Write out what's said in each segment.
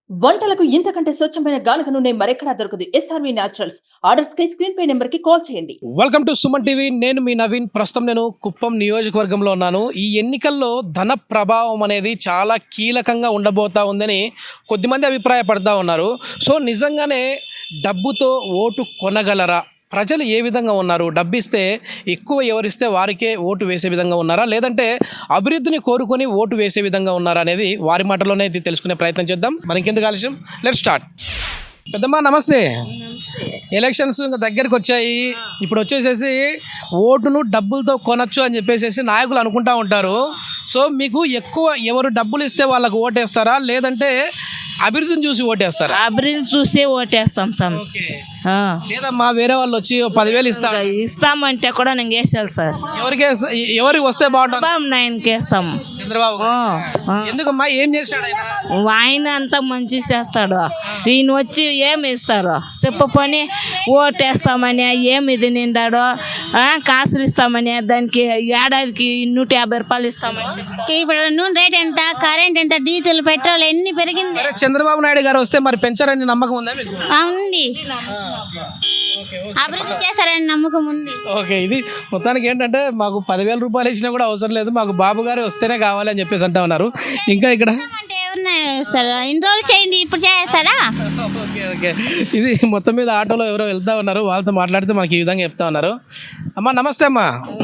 వంటలకు ఇంతకంటే స్వచ్ఛమైన గానుగ నూనె మరెక్కడా దొరకదు. SRV naturals. ఆర్డర్స్ కై స్క్రీన్ పై నెంబర్ కి కాల్ చేయండి. Welcome to Suman TV. నేను మీ నవీన్. ప్రస్తుతం నేను కుప్పం నియోజకవర్గంలో ఉన్నాను. ఈ ఎన్నికల్లో ధన ప్రభావం అనేది చాలా కీలకంగా ఉండబోతా ఉందని కొద్దిమంది అభిప్రాయపడతా ఉన్నారు. సో నిజంగానే డబ్బుతో ఓటు కొనగలరా? ప్రజలు ఏ విధంగా ఉన్నారు? డబ్బిస్తే ఎక్కువ ఎవరిస్తే వారికే ఓటు వేసే విధంగా ఉన్నారా, లేదంటే అభివృద్ధిని కోరుకొని ఓటు వేసే విధంగా ఉన్నారా అనేది వారి మాటలోనే తెలుసుకునే ప్రయత్నం చేద్దాం. మరి ఇంకెందుకు ఆలస్యం, లెట్స్ స్టార్ట్. పెద్దమ్మా నమస్తే. ఎలక్షన్స్ ఇంకా దగ్గరికి వచ్చాయి. ఇప్పుడు వచ్చేసేసి ఓటును డబ్బులతో కొనచ్చు అని చెప్పేసి నాయకులు అనుకుంటా ఉంటారు. సో మీకు ఎక్కువ ఎవరు డబ్బులు ఇస్తే వాళ్ళకు ఓటేస్తారా, లేదంటే అభివృద్ధిని చూసి ఓటేస్తారా? అభివృద్ధి చూసే ఓటేస్తాం సార్. లేదమ్మా వేరే వాళ్ళు వచ్చి 10,000 ఇస్తామంటే కూడా నేను వేసాను సార్. ఎవరికి వస్తే బాగుంటుంది? బాబు నాయనకి వేస్తాం. చంద్రబాబు ఎందుకమ్మా? ఏం చేశాడు ఆయన? ఆయన అంతా మంచి చేస్తాడు. ఈయన వచ్చి ఏమి ఇస్తారు చెప్పని ఓటేస్తామని ఏమి ఇది నిండాడో కాసులు ఇస్తామని దానికి ఏడాదికి 150 రూపాయలు ఇస్తామని. ఇప్పుడు నూనె రేట్ ఎంత, కరెంట్ ఎంత, డీజిల్ పెట్రోల్ ఎన్ని పెరిగింది. చంద్రబాబు నాయుడు గారు వస్తే మరి పెంచారని నమ్మకం ఉందా మీకు? ఉంది, అభివృద్ధి చేశారని నమ్మకం ఉంది. ఓకే, ఇది మొత్తానికి ఏంటంటే మాకు 10,000 రూపాయలు ఇచ్చినా కూడా అవసరం లేదు, మాకు బాబు గారు వస్తేనే కావాలి అని చెప్పేసి అంటా ఉన్నారు. ఇంకా ఇక్కడ అంటే ఎవరిని ఇస్తారు? ఇన్ని రోజులు చేయింది, ఇప్పుడు చేస్తాడా? ఓకే ఓకే, ఇది మొత్తం మీద ఆటోలో ఎవరో వెళ్తా ఉన్నారు, వాళ్ళతో మాట్లాడితే మనకి ఈ విధంగా చెప్తా ఉన్నారు. అమ్మా నమస్తే అమ్మా.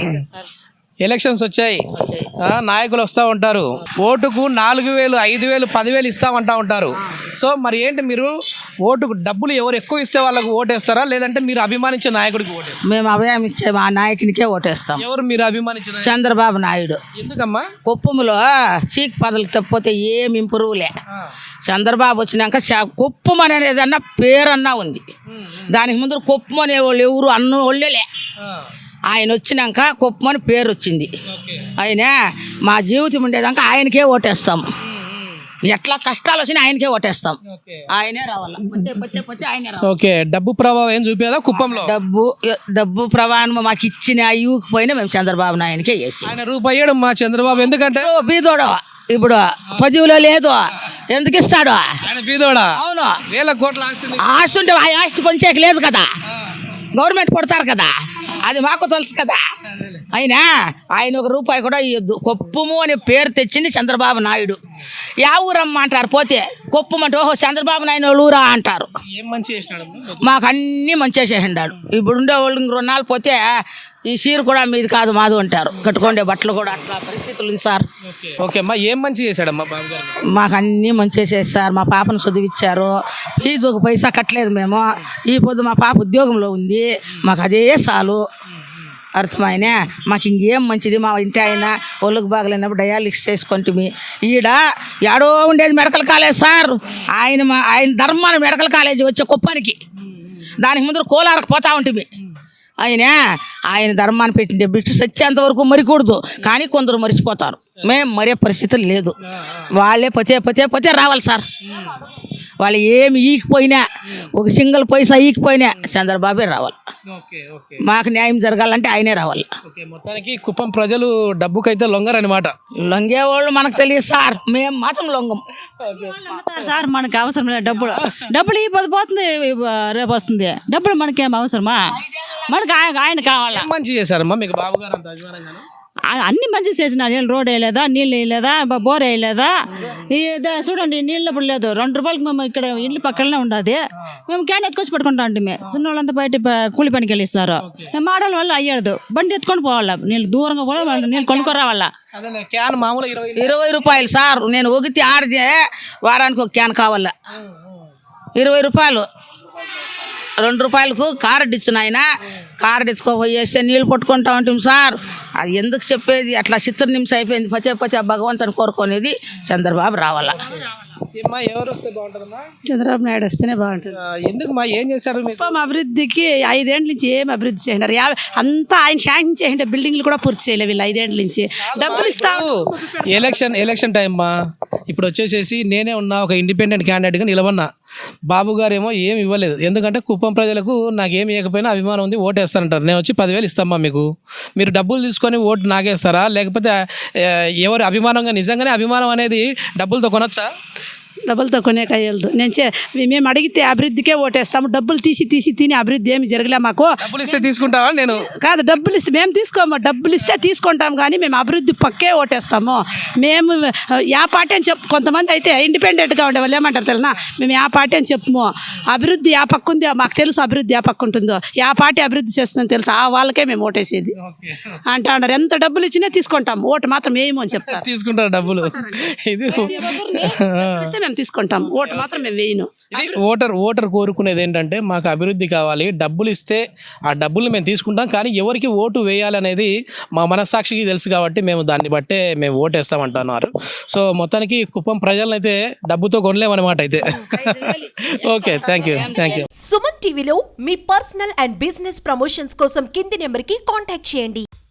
ఎలక్షన్స్ వచ్చాయి, నాయకులు వస్తూ ఉంటారు, ఓటుకు 4,000, 5,000, 10,000 ఇస్తామంటా ఉంటారు. సో మరి ఏంటి, మీరు ఓటుకు డబ్బులు ఎవరు ఎక్కువ ఇస్తే వాళ్ళకు ఓటేస్తారా, లేదంటే మీరు అభిమానించే నాయకుడికి ఓటేస్తారా? మేము అభిమానించే మా నాయకునికే ఓటేస్తాం. ఎవరు మీరు అభిమానించిన? చంద్రబాబు నాయుడు. ఎందుకమ్మా? కుప్పంలో చీక్ పదలు తప్పితే ఏమి ఇంప్రూవ్లే. చంద్రబాబు వచ్చినాక కుప్పం అనేది ఏదన్నా పేరన్నా ఉంది. దానికి ముందు కుప్పం అనే వాళ్ళు ఎవరు అన్న వాళ్ళేలే. ఆయన వచ్చినాక కుప్పమని పేరు వచ్చింది. ఆయన మా జీవితం ఉండేదాకా ఆయనకే ఓటేస్తాం. ఎట్లా కష్టాలు వచ్చినా ఆయనకే ఓటేస్తాం. ఆయనే రావాలి, ఆయనే రావాలి. ఓకే, డబ్బు ప్రభావం ఏం చూపేదా కుప్పంలో? డబ్బు ప్రభావం మాకు ఇచ్చిన ఇవ్వకపోయినా మేము చంద్రబాబు నాయునికే వేసి. ఆయన రూపాయి మా చంద్రబాబు ఎందుకంటే బీదోడు ఇప్పుడు 10,000 లేదు, ఎందుకు ఇస్తాడు? ఆయన బీదోడా? అవును, వేల కోట్ల ఆస్తి. ఆస్తి ఉంటే ఆ ఆస్తి పంచేకి లేదు కదా, గవర్నమెంట్ కొడతారు కదా, అది మాకు తెలుసు కదా. అయినా ఆయన 1 రూపాయి కూడా ఇవ్వద్దు. కొప్పము అనే పేరు తెచ్చింది చంద్రబాబు నాయుడు. యా ఊరమ్మ అంటారు, పోతే కొప్పం అంటే ఓహో చంద్రబాబు నాయుడు ఊరా అంటారు. ఏం మంచి చేసినాడు? మాకు అన్నీ మంచిగా చేసిండాడు. ఇప్పుడు ఉండే వాళ్ళు 2 నాలుగు పోతే ఈ చీర కూడా మీది కాదు మాది అంటారు, కట్టుకోండే బట్టలు కూడా అట్లా పరిస్థితులు ఉంది సార్. ఓకే అమ్మా, ఏం మంచి చేశాడమ్మా బాబు గారు? మాకు అన్నీ మంచిగా చేస్తారు. మా పాపను చదివిచ్చారు, ఫీజు 1 పైసా కట్టలేదు మేము. ఈ పొద్దు మా పాప ఉద్యోగంలో ఉంది, మాకు అదే చాలు. అర్థమైనా మాకు ఇంకేం మంచిది. మా ఇంటి ఆయన ఒళ్ళుకు బాగలేనప్పుడు డయాలిసిస్ చేసుకుంటుంది. ఈడ ఏడో ఉండేది మెడికల్ కాలేజ్ సార్. ఆయన ధర్మాన మెడికల్ కాలేజ్ వచ్చే కుప్పానికి, దానికి ముందు కోలారకు పోతా ఉంటుంది. ఆయన ధర్మాన్ని పెట్టిండే బిడ్డ సచ్చేంత వరకు మరికూడదు, కానీ కొందరు మరిచిపోతారు. మేము మరే పరిస్థితులు లేదు. వాళ్ళే పతే రావాలి సార్. వాళ్ళు ఏమి ఈకిపోయినా, 1 సింగిల్ పైసా ఈకిపోయినా చంద్రబాబే రావాలి. మాకు న్యాయం జరగాలంటే ఆయనే రావాలి. మొత్తానికి కుప్పం ప్రజలు డబ్బుకైతే లొంగరనమాట. లొంగేవాళ్ళు మనకు తెలియదు సార్, మేము మాత్రం లొంగం సార్. మనకు అవసరం లేదు డబ్బులు ఈ పొద్దు పోతుంది, రేపు వస్తుంది. డబ్బులు మనకేం అవసరమా? మనకు ఆయన కావాలా. మంచి చేశారమ్మా మీకు బాబు గారు అంత అభిమానంగా? అన్ని మంచి చేసినారు. రోడ్ వేయలేదా, నీళ్ళు వేయలేదా, బోర్ వేయలేదా? చూడండి, నీళ్ళు ఇప్పుడు లేదు. 2 రూపాయలకి మేము ఇక్కడ ఇల్లు పక్కనే ఉండదు. మేము క్యాన్ ఎత్తుకొచ్చి పెట్టుకుంటా ఉంటాం. చిన్న వాళ్ళంతా బయట కూలి పనికి వెళ్ళిస్తారు. మాడల వల్ల అయ్యాడు, బండి ఎత్తుకొని పోవాలా, నీళ్ళు దూరంగా కూడా నీళ్ళు కొనుక్కొని రావాలా. క్యాన్ మామూలు 20 రూపాయలు సార్. నేను ఒకటి ఆడితే వారానికి 1 క్యాన్ కావాలా, 20 రూపాయలు. 2 రూపాయలకు కార్డు ఇచ్చిన ఆయన కార్డు ఎత్తుకోపోయేస్తే నీళ్ళు పట్టుకుంటా ఉంటాం సార్. అది ఎందుకు చెప్పేది, అట్లా చిత్ర నిమిషం అయిపోయింది. పచ్చే భగవంతుని కోరుకునేది చంద్రబాబు రావాలా. ఎవరు వస్తే బాగుంటుందమ్మా? చంద్రబాబు నాయుడు వస్తేనే బాగుంటుంది. ఎందుకు మా ఏం చేశారు? కుప్పం అభివృద్ధికి 5 ఏళ్ళ నుంచి ఏం అభివృద్ధి చేసినారు? అంతా ఆయన శాంక్షన్ చేయండి, బిల్డింగ్లు కూడా పూర్తి చేయలేదు వీళ్ళు 5 ఏళ్ళ నుంచి. డబ్బులు ఇస్తాము. ఎలక్షన్ టైం మా ఇప్పుడు వచ్చేసేసి నేనే ఉన్నా, ఒక ఇండిపెండెంట్ క్యాండిడేట్గా నిలబడినా. బాబు గారు ఏమో ఏమి ఇవ్వలేదు, ఎందుకంటే కుప్పం ప్రజలకు నాకేమి ఇవ్వకపోయినా అభిమానం ఉంది, ఓటేస్తానంటారు. నేను వచ్చి 10,000 ఇస్తామా మీకు, మీరు డబ్బులు తీసుకొని ఓటు నాగేస్తారా, లేకపోతే ఎవరు అభిమానంగా నిజంగానే అభిమానం అనేది డబ్బులతో కొనొచ్చా? డబ్బులతో కొనేక అయ్యదు మేము అడిగితే అభివృద్ధికే ఓటేస్తాము. డబ్బులు తీసి తిని అభివృద్ధి ఏమి జరగలే మాకు. డబ్బులు ఇస్తే తీసుకుంటావా? నేను కాదు, డబ్బులు ఇస్తే మేము తీసుకోము. డబ్బులు ఇస్తే తీసుకుంటాం కానీ మేము అభివృద్ధి పక్కే ఓటేస్తాము. మేము యా పార్టీ అని కొంతమంది అయితే ఇండిపెండెంట్గా ఉండే వాళ్ళు ఏమంటారు తెలియనా, మేము యా పార్టీ అని చెప్పము. అభివృద్ధి యా పక్క ఉంది మాకు తెలుసు, అభివృద్ధి యా పక్క ఉంటుందో, యా పార్టీ అభివృద్ధి చేస్తుందని తెలుసు, ఆ వాళ్ళకే మేము ఓటేసేది అంటా ఉన్నారు. ఎంత డబ్బులు ఇచ్చినా తీసుకుంటాం, ఓటు మాత్రం వేయము అని చెప్తారు. తీసుకుంటారు డబ్బులు. ఇది ఇస్తే మేము తీసుకుంటాం, ఓటు మాత్రం మేము వేయను. ఓటర్ కోరుకునేది ఏంటంటే మాకు అభివృద్ధి కావాలి, డబ్బులు ఇస్తే ఆ డబ్బులు మేము తీసుకుంటాం, కానీ ఎవరికి ఓటు వేయాలనేది మా మనస్సాక్షికి తెలుసు కాబట్టి మేము దాన్ని బట్టే మేము ఓటేస్తామంటున్నారు. సో మొత్తానికి కుప్పం ప్రజలను అయితే డబ్బుతో కొనలేమన్నమాట అయితే. Okay, thank you. సుమన్ టీవీలో మీ పర్సనల్ అండ్ బిజినెస్ ప్రమోషన్స్ కోసం కింది నెంబర్కి కాంటాక్ట్ చేయండి.